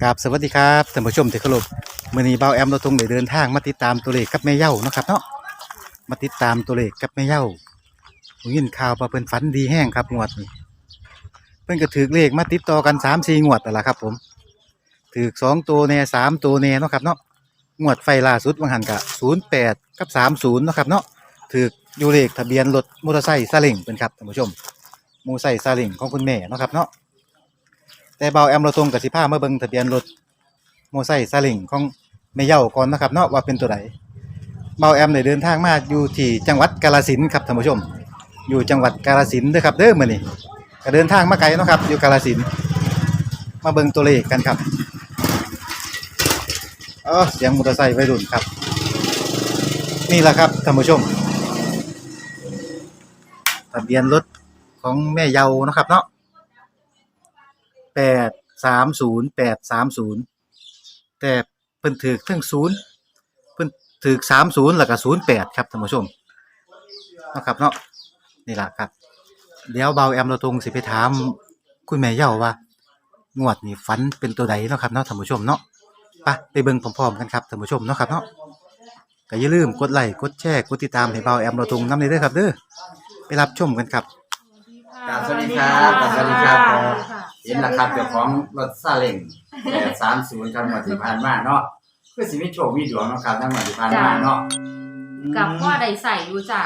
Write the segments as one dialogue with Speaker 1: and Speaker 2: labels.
Speaker 1: กับสวัสดีครับท่านผู้ชมที่เคารพมื้อนี้เบาแอมเราทงได้เดินทางมาติดตามตัวเลขกับแม่เหย้าเนาะครับเนาะมาติดตามตัวเลขกับแม่เหย้าผมยินข่าวว่าเพิ่นฝันดีแห้งครับงวดนี้เพิ่นก็ถือเลขมาติดต่อกัน3-4งวดนั่นล่ะครับผมถือ2ตัวแน่3ตัวแน่เนาะครับเนาะงวดไฟล่าสุดว่าหันก็08กับ30เนาะครับเนาะถืออยู่เลขทะเบียนรถมอเตอร์ไซค์ซาเล้งเพิ่นครับท่านผู้ชมมอเตอร์ไซค์ซาเล้งของคุณแม่เนาะครับเนาะแต่เบาแอมเราทงกับสิพามาเบิ่งทะเบียนรถมอไซค์ซาเล้งของแม่เหย้าก่อนนะครับเนาะว่าเป็นตัวใดเบาแอมได้เดินทางมาอยู่ที่จังหวัดกาฬสินธุ์ครับท่านผู้ชมอยู่จังหวัดกาฬสินธุ์เด้อครับเด้อมื้อนี้ก็เดินทางมาไกลเนาะครับอยู่กาฬสินธุ์มาเบิ่งตัวเลขกันครับเสียงมอเตอร์ไซค์วัยรุ่นครับนี่แหละครับท่านผู้ชมทะเบียนรถของแม่เหย้าเนาะครับเนาะ830แต่เพิ่นถูกทั้ง0เพิ่นถูก30แล้วก็08ครับท่านผู้ชมเนาะครับเนาะนี่ล่ะครับเดี๋ยวเบาแอมเราทงสิไปถามคุณแม่เหย้าว่างวดนี้ฝันเป็นตัวใดเนาะครับเนาะท่านผู้ชมเนาะไปเบิ่งพร้อมๆกันครับท่านผู้ชมเนาะครับเนาะก็อย่าลืมกดไลค์กดแชร์กดติดตามให้เบาแอมเราทงนำเด้อครับเด้อไปรับชมกันครับ
Speaker 2: สวัสดีครับสวัสดีครับเห็นแล้วครับเจ้าของรถซาเล้ง830ครับงวดที่ผ่านมาเนาะคือสิมีโชคมีดวงเนาะครับทั้งงวดที่ผ่านมาเนาะ
Speaker 3: กับพ่อได้ใส่อยู่จ้ะ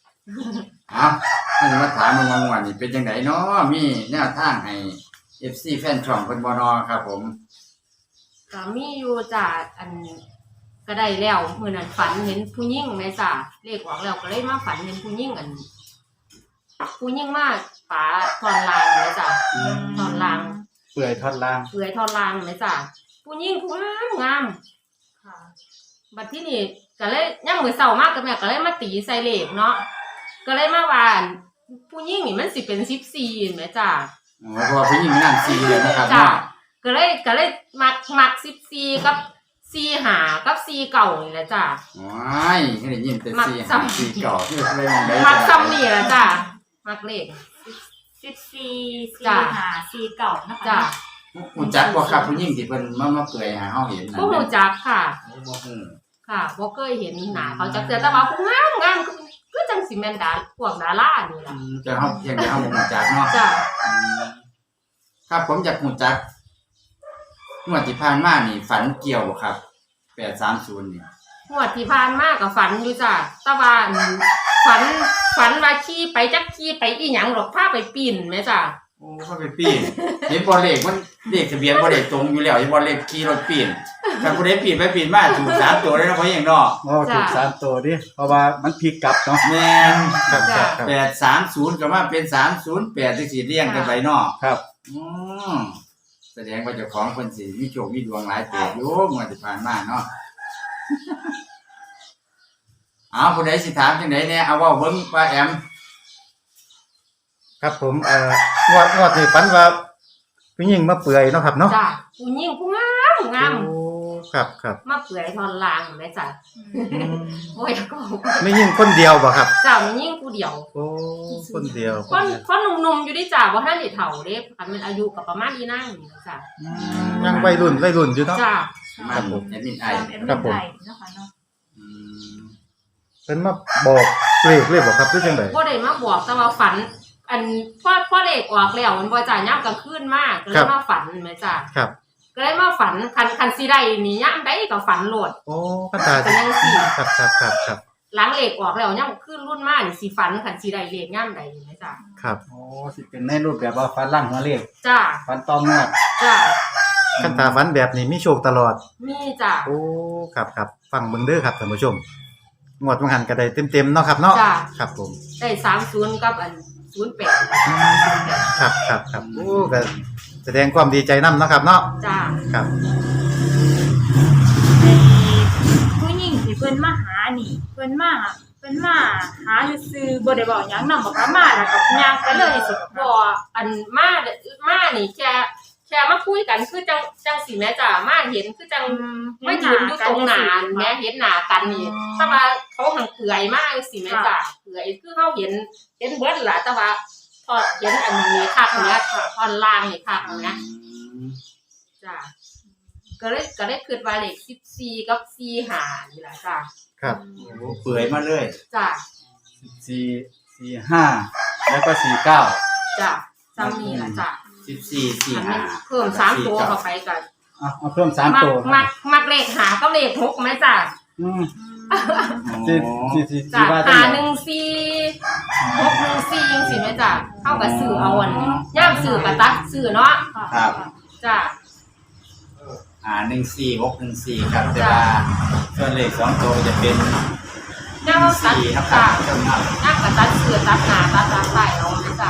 Speaker 2: มันมาถามมึงว่างวดนี้เป็นจังไดเนาะมีแนวทางให้ FC แฟนช่องเพิ่นบ่เนาะครับผม
Speaker 3: ก็มีอยู่จ้ะอันก็ได้แล้วมื้อนั้นฝันเห็นผู้หญิงแม่จ้ะเลขออกแล้วก็เลยมาฝันเห็นผู้หญิงอันผู้หญิงมาฝาทอนลางแม่จ้ะทอนลาง
Speaker 1: เปื่อยทอดล่าง
Speaker 3: เปื่อยทอนลางแม่จ้ะผู้หญิงผู้งามค่ะบัดที่นี่ก็เลยยามมื้อเช้ามากก็แม่ก็เลยมาตีใส่เลขเนาะก็เลยมาว่าผู้หญิงนี่มันสิเป็น14แม่จ้ะ
Speaker 2: เพราะว่าผู้หญิงมีน้ำ4เลยนะครับ
Speaker 3: จ้ะก็เลยมัก14กับ45กับ49นี่แหละจ้ะ
Speaker 2: ว้ายได้ยินแต่4 4 9ที่เลยมองได้
Speaker 3: มักซ้ำนี่ล่ะจ้ะมักเลข
Speaker 4: 14 45 49นะคะ
Speaker 3: จ้ะ
Speaker 2: ฮู้จักบ่ครับผู้หญิงที่เพิ่นมาเปื่อยให้เฮาเห็นนั่น
Speaker 3: บ่ฮู้จักค่ะ
Speaker 2: บ่ฮู้
Speaker 3: ค่ะบ่เคยเห็นหน้าเขาจักเทื่อแต่ว่าผู้งามคือจังสิแม่นพวกดารานี่ล่ะ
Speaker 2: จะเฮาเพียงแต่เฮาบ่ฮู้จักเนาะ
Speaker 3: จ้ะ
Speaker 2: ครับผมอยากฮู้จักงวดที่ผ่านมานี่ฝันเกี่ยวบ่ครับ830นี่
Speaker 3: งวดที่ผ่านมาก็ฝันอยู่จ้ะแต่ว่าฝันว่าขี่ไปจักขี่ไปอีหยังหรอกพาไปปีนแม่จ้ะ
Speaker 2: โอ้พาไปปีนเห็นบ่เลขมันเลขทะเบียนบ่ได้ตรงอยู่แล้วเห็นบ่เลขขี่รถปีนถ้าผู้ใดปีนไปปีนมาถูก3ตัวเลยเนาะเพราะหยังเนาะ
Speaker 1: ถูก3ตัวดิเพราะว่ามันพลิกกลับเนาะ
Speaker 2: แม่น830ก็มาเป็น308จังซี่เรียงกันไปเนาะ
Speaker 1: ครับ
Speaker 2: แสดงว่าเจ้าของเพิ่นสิมีโชคมีดวงหลายเติบอยู่งวดที่ผ่านมาเนาะผู้ใดสิถามจังได๋แน่เอาเว้าเบิ่งป้าแอม
Speaker 1: ครับผมงวดนี่ฝันว่าผู้หญิงมาเปื่อยเนาะครับเนาะ
Speaker 3: จ้ะผู้หญิงผู้งาม
Speaker 1: โอ้ครับ
Speaker 3: มาเปื่อยทอนลางแม่จ้ะโอ้ยก็
Speaker 1: ไม่ยิ่งคนเดียวบ่ครับ
Speaker 3: จ้ะมียิ่งผู้เดียว
Speaker 1: โอ้คนเดียว
Speaker 3: คนหนุ่มๆอยู่ดิจ้ะบ่ทันได้เฒ่าเด้คันมันอายุก็ประมาณนี้นั่งนี่จ้ะ
Speaker 1: ยังวัยรุ่นอยู่เนาะ
Speaker 3: จ้ะ
Speaker 2: ครับผมแอดมินไอ
Speaker 4: ครับผมนะคะเนาะ
Speaker 1: เพิ่นมาบอกเลขบ่ครับหรือจังได๋
Speaker 3: บ่ได้มาบอกแต่ว่าฝันอันพอเลขออกแล้วมันบ่จ้ะยามกลางคืนมาก็เลยมาฝันแม่จ้ะ
Speaker 1: ครับ
Speaker 3: ก็เลยมาฝันคันสิได้นี่ยามใดก็ฝันโลด
Speaker 1: โอ้คันตา
Speaker 3: เป็นจังซี่
Speaker 1: ครับ
Speaker 3: หลังเลขออกแล้วยามคืนรุ่นมานี่สิฝันคันสิได้เลขยามใดแม่จ้ะ
Speaker 1: ครับโอ้สิเป็นในรูปแบบว่าฝันหลังหัวเลข
Speaker 3: จ้ะ
Speaker 1: ฝันต้องงวด
Speaker 3: จ้ะ
Speaker 1: คันตาฝันแบบนี้มีโชคตลอด
Speaker 3: มีจ้ะ
Speaker 1: โอ้ครับฟังเบิ่งเด้อครับท่านผู้ชมงวดมันหันก็ได้เต็มๆเนาะครับเนาะครับผม
Speaker 3: ได้30กับอัน08
Speaker 1: ครับโอ้ก็แสดงความดีใจนำเนาะครับเนาะ
Speaker 3: จ้า
Speaker 1: ครับ
Speaker 4: ผู้หญิงที่เพิ่นมาหานี่เพิ่นมาหาซื่อๆบ่ได้บอกหยังนำบ่มาแล้วก็ย่างไปเลยสิ
Speaker 3: บ่อันมานี่แค่มาคุยกันคือจังสิแม่จ้ามาเห็นคือจังมายืนอยู่ตรงหน้าแม่เห็นหน้ากันนี่แต่ว่าเขาหังเปื่อยมากสิแม่จ้าเปื่อยคือเฮาเห็นเบิดล่ะแต่ว่าพอเห็นอันนี้คักเนี่ยตอนล่างนี่คักนะจ้าก็เลยคิดว่าเลข14กับ45นี่ล่ะจ้ะ
Speaker 1: ครับ
Speaker 2: โอ้เปื่อยมาเลย
Speaker 3: จ้ะ
Speaker 5: 45แล้วก็49
Speaker 3: จ้ะซ้ำนี่ล่ะจ้ะ
Speaker 2: 14
Speaker 3: อันนี้
Speaker 2: 45
Speaker 3: เพิ่ม3ตัวเข้าไปก็
Speaker 5: เอาเพิ่ม3ตัว
Speaker 3: มักเลข5กับเลข6มั้ยจ้ะ
Speaker 5: อืม
Speaker 2: สิ
Speaker 3: จ้ะ
Speaker 5: ว่าจังได๋
Speaker 3: 514 614จังซี่แม่จ้ะเฮาก็ซื้อเอาอันย่ามซื้อก็ตัดซื้อเนาะ
Speaker 2: ครับ
Speaker 3: จ้ะ
Speaker 2: 14614ครับแต่ว่าส่วนเลข2ตัวจะเป็น
Speaker 3: ย่ามตัด
Speaker 2: 4ครับ
Speaker 3: จ้ะ
Speaker 2: จำนวน
Speaker 3: ย่ามก็ตัดซื้อตัดหน้าตัดหลังไปเอาแม่จ้ะ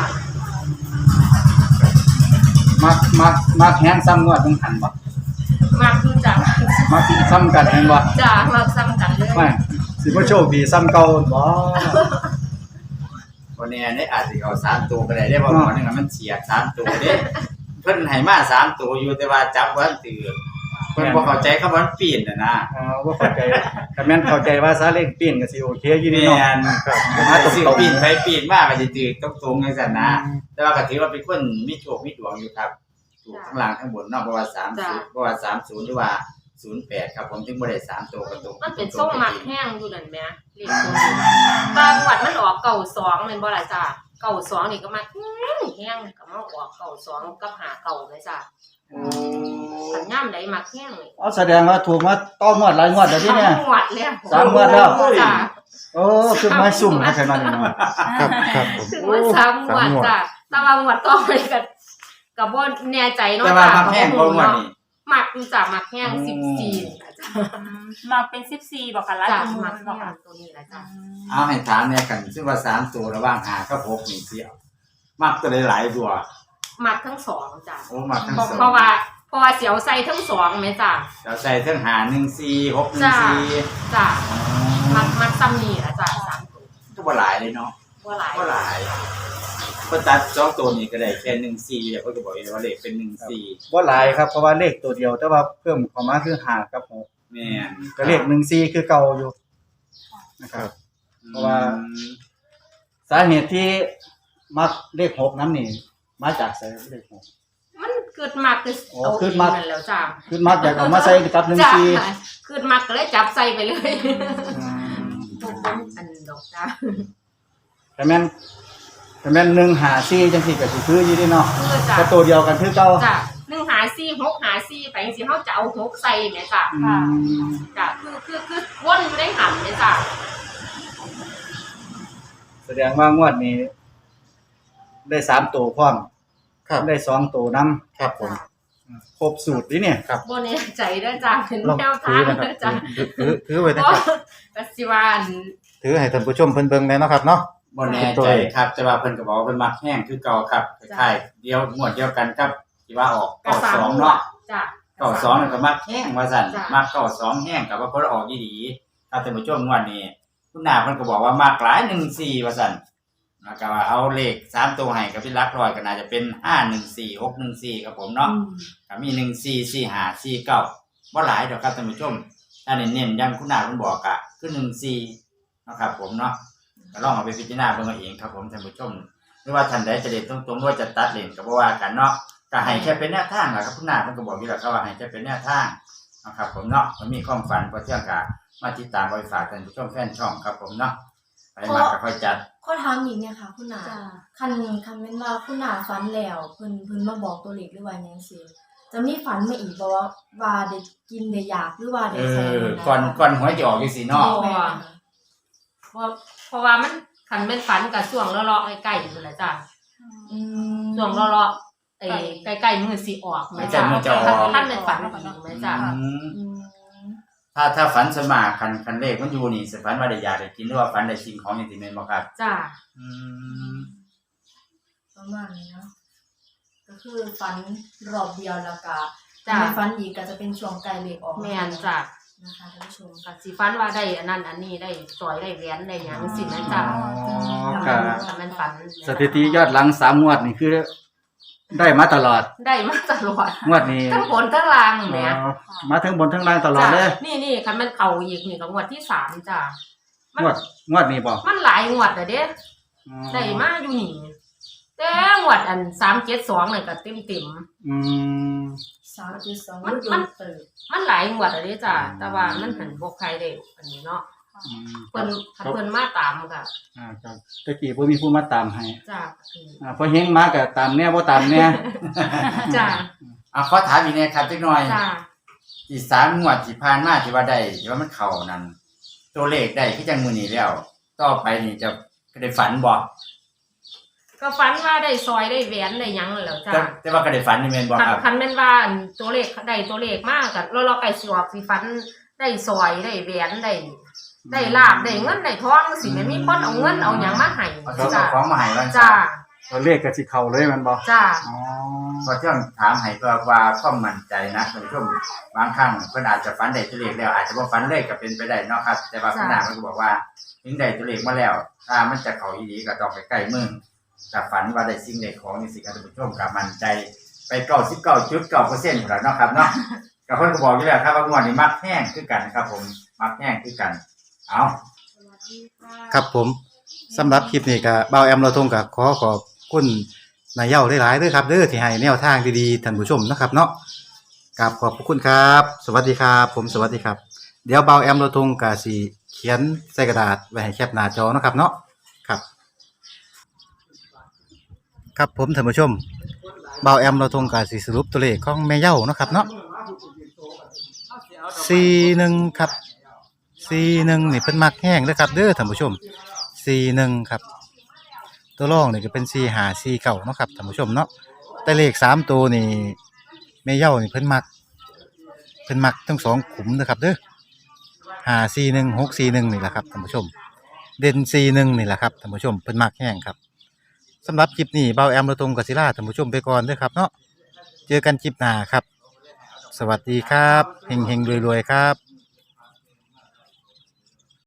Speaker 5: มักแฮงซ้ำงวดต้องหันบ่
Speaker 3: มักคือจ้ะ
Speaker 5: มักซ้ำกันแฮงบ่
Speaker 3: จ้ะมักซ้ำกันเลย
Speaker 5: ไม่สิบ่โชคดีซ้ำเก่าบ่
Speaker 2: วันนี้ได้อาจสิเอา3ตัวก็ได้เพราะว่านึงมันเฉียด3ตัวเด้เพิ่นให้มา3ตัวอยู่แต่ว่าจับบ่ทันตื่นเพิ่นบ่เข้าใจคำว่าปีนน่ะนะ
Speaker 5: บ่เข้าใจถ้าแม่นเข้าใจว่าซาเล้งปีนก็สิโอเคอยู่นี่
Speaker 2: แม่
Speaker 5: เนาะ
Speaker 2: นครับมาตรงๆปีนไปปีนมาก็สิตื่นตรงๆจังซั่นนะ แต่ว่าก็ถือว่าเป็นคนมีโชคมีดวงอยู่ครับถูกทั้งล่างทั้งบนเนาะเพราะว่า30เพราะว่า30หรือว่า08ครับผมถึงบ่ได้3ตัวก็ตรง
Speaker 3: มันเป็นส้มมักแห้งอยู่นั่นแหมเลขตัวนี้บางวัดมันออก92แม่นบ่ล่ะจ้ะ92นี่ก็มักแห้งก็มาออก92กับ59แม่จ้ะ
Speaker 2: โอ้
Speaker 3: สัญญามใดมักแห้งนี่
Speaker 5: เอาแสดงว่าถูกมาต่องวดหลายงวดแล้วที่เนี่ย
Speaker 3: งวดแล้ว
Speaker 5: สามงวดแล้ว
Speaker 3: จ้ะ
Speaker 5: โอ้คือไม้ซุ่มนะแค่นั้นเองเนาะ
Speaker 1: ครับครับผม
Speaker 3: ถึงว่า3งวดจ้ะแต่ว่างวดต่อไปก็บ่แน่ใจเนาะ
Speaker 2: แต่ว่ามักแห้งบ่ม่วนนี่
Speaker 3: มักอยู่จ้ะมักแห้ง14จ้ะ
Speaker 4: มาเป็น14บ่ค่ะหลาย
Speaker 3: จ้ะ
Speaker 4: ตัว
Speaker 3: มัก
Speaker 4: บ่
Speaker 3: แห้
Speaker 4: ค่ะ
Speaker 3: งตัวนี้แหละจ้ะ
Speaker 2: เอาให้ถามเนี่ยกันซึ่งว่า3ตัวระหว่าง5กับ6นี่สิมักตัวหลายๆตัว
Speaker 3: มักทั้งสองจ้ะ
Speaker 2: โอ้มักทั้ง
Speaker 3: เพราะ
Speaker 2: สอง
Speaker 3: เพราะว่าเสียวใส่ทั้งสองแม่จ้ะ
Speaker 2: เราใส่ทั้ง514
Speaker 3: จ้ะ
Speaker 2: 614
Speaker 3: จ้ะมักซ้ำนี่ล่ะจ้ะ3ตัว
Speaker 2: ก็บ่หลายเลยเนาะ
Speaker 3: บ่หลาย
Speaker 2: บ่หลายเพิ่นตัด2ตัวนี้ก็ได้แค่14แล้วเพิ่นก็บอกว่าเลขเป็น14
Speaker 5: บ่หลายครับเพราะว่าเลขตัวเดียว แต่ว่าเพิ่มเข้ามาคือ5กับ6
Speaker 2: แม่น
Speaker 5: ก็เลข14คือเก่าอยู่นะครับ เพราะว่า สาเหตุที่มักเลข6นั้นนี่มาจากไสเลข6
Speaker 3: มันเกิดมักคือ
Speaker 5: โอ้
Speaker 3: เอา
Speaker 5: เกิ
Speaker 3: เอ
Speaker 5: ด
Speaker 3: ง
Speaker 5: มัก
Speaker 3: นั่นแล้วจ้ะ
Speaker 5: คือมักอยากเอามาใส่กับ
Speaker 3: จ้ะ
Speaker 5: 14
Speaker 3: เกิดมักก็เลยจับใส่ไปเลย
Speaker 5: อืม
Speaker 3: บ่เป็นอันดอกจ้ะ
Speaker 5: แต่แม่น154จังซี่ก็สิคืออยู่เด้เนาะ
Speaker 3: คือจ้ะ
Speaker 5: ก็ตัวเดียวกันคือเก่า
Speaker 3: จ้ะ1หา4 6หา4ไปจังซี่เฮาจะเอา6ใส่แม่จ้ะ
Speaker 5: อืม
Speaker 3: จ้ะคือวนอยู่ในหันแม่จ้ะ
Speaker 5: แสดงว่างวดนี้ได้3ตัวพร้อม
Speaker 1: ครับ
Speaker 5: ได้2ตัวนำ
Speaker 1: ครับผม
Speaker 5: ครบสูตรนี่เนี่ย
Speaker 3: บ่แน่ใจเด้อจ้ะเป็น
Speaker 1: ลอง
Speaker 3: แนว
Speaker 1: ถื
Speaker 3: ทา
Speaker 1: อง นะค
Speaker 3: เด้
Speaker 1: รั
Speaker 3: อบ จ้ะ
Speaker 1: ถือไว้นะ
Speaker 3: บ่
Speaker 1: ครับ
Speaker 3: ก็สิว่าอัน
Speaker 1: ถือให้ท่านผู้ชมเพิ่นเบิ่งแน่เนาะครับเนาะ
Speaker 2: บ่แน่ใจครับแต่ว่าเพิ่นก็บอกว่าเพิ่นมักแห้งคือเก่าครับคล้ายๆเดียวงวดเดียวกันครับที่ว่าออก
Speaker 3: กระสาม
Speaker 2: 92เนาะ
Speaker 3: จ้ะ
Speaker 2: 92นั่นก็มักแห้งว่าซั่น
Speaker 3: จ้ะ
Speaker 2: มัก92แห้งก็ว่าเพิ่นออกดีๆถ้าท่านผู้ชมงวดนี้คุณนาเพิ่นก็บอกว่ามักหลาย14ว่าซั่นแล้วก็ว่าเอาเลข3ตัวให้กับพี่ลักร้อยก็น่าจะเป็น514 614ครับผมเนาะก็มี14 45 49บ่หลายดอกครับท่านผู้ชมถ้าเน้นๆอย่างคุณนาเพิ่นบอกก็คือ14เนาะครับผมเนาะ ก็ลองเอาไปพิจารณาเบิ่งเอาเองครับผมท่านผู้ชมหรือว่าท่านใดจะเล่นตรงๆหรือว่าจะตัดเล่นก็บ่ว่ากันเนาะก็ให้แค่เป็นแนวทางล่ะครับคุณนาเพิ่นก็บอกอยู่แล้วครับว่าให้แค่เป็นแนวทางนะครับผมเนาะมันมีความฝันพอเที่ยงก็มาติดตามไว้ฝากท่านผู้ชมแฟนช่องครับผมเนาะไปมาก็ค่อยจัด
Speaker 6: ข้อถามอีกเนี่ยค่ะคุณหนาคันแม่นว่าคุณหนาฝันแล้วเพิ่นมาบอกตัวเลขหรือว่าหยังซี่จะมีฝันมาอีกบ่ว่าได้กินได้อยากหรือว่าได้ใช้
Speaker 2: ก่อนหวยจะออกจังซี่เนาะ
Speaker 6: แม่น
Speaker 3: เพราะว่ามันคันเป็นฝันกับช่วงเลาะๆใกล้ๆอยู่แหละจ้ะ
Speaker 6: อืม
Speaker 3: ช่วงเลาะๆใกล้ๆมือสิออกแม่จ้ะท่านเป็นฝันดีแม่จ้ะ
Speaker 2: อืม
Speaker 6: อืม
Speaker 2: ถ้าฝันสมาคันเลขมันอยู่นี่สิฝันว่าได้อยากได้กินหรือว่าฝันได้สิ่งของอย่างที่แม่นบ่ครับ
Speaker 3: จ้ะ
Speaker 2: อืม
Speaker 6: ประมาณนี้เนาะก็คือฝันรอบเดียวแล้วก็
Speaker 3: จ้ะ
Speaker 6: ไม่ฝันอีกก็จะเป็นช่วงใกล้เลขออก
Speaker 3: แม่นจ้ะ
Speaker 6: นะคะท่านผู้ชม
Speaker 3: ก็สิฝันว่าได้อันนั้นอันนี้ได้สอยได้แหวนได้หยังสิแม่จ้ะ
Speaker 5: ครับ
Speaker 3: ถ้ามันฝัน
Speaker 5: สถิติยอดหลัง3งวดนี่คือได้มาตลอด
Speaker 3: ได้มาตลอด
Speaker 5: งวดนี้
Speaker 3: ทั้งบนทั้งล่างแหม
Speaker 5: มาทั้งบนทั้งล่างตลอดเลย
Speaker 3: จ้ะนี่คันมันเข้าอีกนี่ก็งวดที่3จ้ะมัน
Speaker 5: งวดนี้บ่
Speaker 3: มันหลายงวดแล้วเด้ได้มาอยู่นี่แต่งวดอัน372นี่ก็เต็ม
Speaker 1: อืม
Speaker 6: 3.2
Speaker 3: มัน
Speaker 6: โดนเติบ
Speaker 3: ๆมันหลายงวดอะเด้จ้ะแต่ว่ามันหันบ่ใครได้อันนี้เนาะ
Speaker 5: อืม
Speaker 3: เพิ่นมาตามก็
Speaker 5: ครับตะกี้บ่มีผู้มาตามให้
Speaker 3: จ้ะ
Speaker 5: พอเฮงมาก็ตามแน่บ่ตามแน่
Speaker 3: จ้ะ
Speaker 2: เอาขอถามอีกนะครับจักหน่อย
Speaker 3: จ้ะ
Speaker 2: ที่3งวดที่ผ่านมาที่ว่าได้ที่ว่ามันเข้านั่นตัวเลขได้คือจังมื้อนี้แล้ว ต่อไปนี่จะได้ฝันบ่
Speaker 3: ก็ฝันว่าได้ซอยได้แหวนได้หยังนั่นแหล้วจ้ะ
Speaker 2: แต่ว่าก็ได้ฝันนี่แม่นบ่ครับ
Speaker 3: คันแม่นว่าอันตัวเลขได้ตัวเลขมากก็เราใกล้สิออกสิฝันได้ซอยได้แหวนได้ลาบได้เงินได้ทองสิแม่นมีคนเอาเงินเอาหยังมาให้
Speaker 2: เอา
Speaker 3: จ้ะ
Speaker 2: ของมาให้ว่า
Speaker 3: จ้ะ
Speaker 5: ตัวเลขก็สิเข้าเลยแมันบ่
Speaker 3: จ้ะ
Speaker 5: อ๋อ
Speaker 2: ก็เที่ยงถามให้เพื่อว่าความมั่นใจนะท่านผู้ชมบางครั้งเพิ่นอาจจะฝันได้ตัวเลขแล้วอาจจะบ่ฝันเลยก็เป็นไปได้เนาะครับ แต่ว่าคุณนาเพิ่นก็บอกว่าถึงได้ตัวเลขมาแล้ว ถ้ามันจะเข้าอีหลีก็ต้องไปใกล้มือถ้าฝันว่าได้สิ่งใดของนี่สิครับท่านผู้ชมก็มั่นใจไป 99.9%พุ่นล่ะเนาะครับเนาะก็เพิ่นก็บอกอยู่แล้วครับว่างวดนี้มักแห้งคือกันครับผมมักแห้งคือกันเอา
Speaker 1: ครับผมสำหรับคลิปนี้ก็เบาแอมเราทงก็ขอบคุณนายเหย้าหลายๆเด้อครับเด้อที่ให้แนวทางดีๆท่านผู้ชมนะครับเนาะครับขอบพระคุณครับ สวัสดีครับผมสวัสดีครับ เดี๋ยวเบาแอมเราทงก็สิเขียนใส่กระดาษไว้ให้แคปหน้าจอเนาะครับเนาะครับครับผมท่านผู้ชมเบาแอมเราทงก็สิสรุปตัวเลขของแม่เหย้าเนาะครับเนาะ41ครับ41นี่เพิ่นมักแห้งเด้อครับเด้อท่านผู้ชม41ครับตัวรองนี่ก็เป็น45 49เนาะครับท่านผู้ชมเนาะแต่เลข3ตัวนี่แม่เหย้านี่เพิ่นมักทั้งสองขุมเด้อครับเด้อ541 641นี่แหละครับท่านผู้ชมเด่น41นี่แหละครับท่านผู้ชมเพิ่นมักแห้งครับสำหรับคลิปนี้เบาแอมเราตรงกับศิลาท่านผู้ชมไปก่อนเด้อครับเนาะเจอกันคลิปหน้าครับสวัสดีครับเฮงๆรวยๆครับ